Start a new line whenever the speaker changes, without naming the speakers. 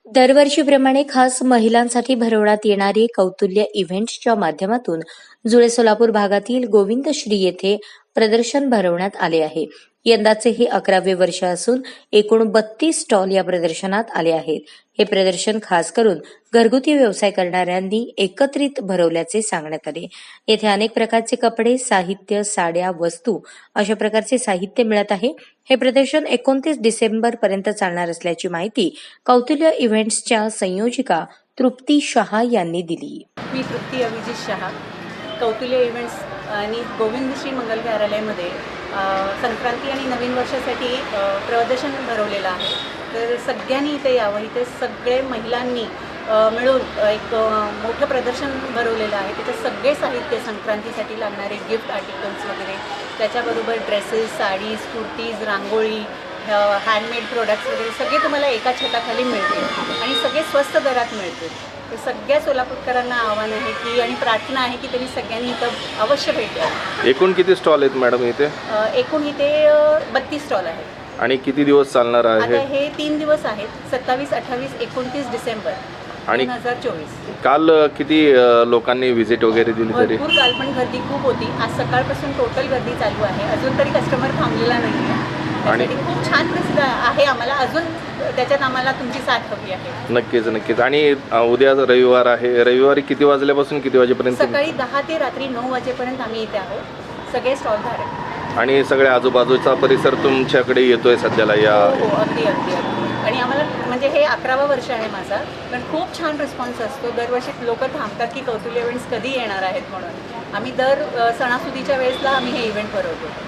दरवर्षीप्रमाणे खास महिलांसाठी भरवण्यात येणारे कौतुल्य इव्हेंट्सच्या माध्यमातून जुळे सोलापूर भागातील गोविंदश्री येथे प्रदर्शन भरवण्यात आले आहे. यंदाचे हे 11वे वर्ष असून एकूण 32 स्टॉल या प्रदर्शनात आले आहेत. हे प्रदर्शन खास करून घरगुती व्यवसाय करणाऱ्यांनी एकत्रित भरवल्याचे सांगण्यात आले. येथे अनेक प्रकारचे कपडे, साहित्य, साड्या, वस्तू अशा प्रकारचे साहित्य मिळत आहे. हे प्रदर्शन 29 डिसेंबर पर्यंत चालणार असल्याची माहिती कौतुल्य इव्हेंट्सच्या संयोजिका तृप्ती शहा यांनी दिली.
मी तृप्ती अभिजित शहा, कौतुल्य इव्हेंट्स आणि गोविंदश्री मंगल कार्यालयामध्ये संक्रांती आणि नवीन वर्षासाठी प्रदर्शन भरवलेलं आहे. तर सगळ्यांनी इथे यावं. इथे सगळे महिलांनी मिळून एक मोठं प्रदर्शन भरवलेलं आहे. त्याचे सगळे साहित्य, संक्रांतीसाठी लागणारे गिफ्ट आर्टिकल्स वगैरे, त्याच्याबरोबर dresses, saris, kurtis, rangoli, handmade products वगैरे सगळे तुम्हाला एका छताखाली मिळतील आणि सगळे स्वस्त दरात मिळतील. तर सगळ्या सोलापूरकरांना आव्हान आहे की आणि प्रार्थना आहे की त्यांनी सगळ्यांनी इथं अवश्य भेट द्यावी.
एकूण किती स्टॉल आहेत मॅडम इथे?
एकूण इथे 32 स्टॉल आहेत.
आणि किती दिवस चालणार आहे?
आता हे 3 दिवस आहेत, 27, 28, 29 डिसेंबर
आणि
2024.
काल किती लोकांनी व्हिजिट वगैरे दिली तरी?
भरपूर. काल पण गर्दी खूप होती. आज सकाळपासून टोटल गर्दी चालू आहे. अजून तरी कस्टमर थांबलेला नाही आहे.
आणि
खूप छान प्रसिद्ध आहे. आम्हाला अजून त्याच्यात आम्हाला तुमची साथ हवी आहे.
नक्कीच नक्कीच. आणि उद्या रविवार आहे. रविवारी किती वाजल्यापासून किती वाजेपर्यंत?
सकाळी 10 ते रात्री 9 वाजेपर्यंत आम्ही इथे आहोत. सगळे स्टॉल धारक
आणि सगळ्या आजूबाजूचा परिसर तुमच्याकडे येतोय सध्याला या?
हो, अगदी अगदी अगदी. आणि आम्हाला म्हणजे हे 11वा वर्ष आहे माझा, पण खूप छान रिस्पॉन्स असतो. दरवर्षी लोक थांबतात की कौतुल्य इव्हेंट्स कधी येणार आहेत म्हणून. आम्ही दर सणासुदीच्या वेळेसला आम्ही हे इव्हेंट भरवतो.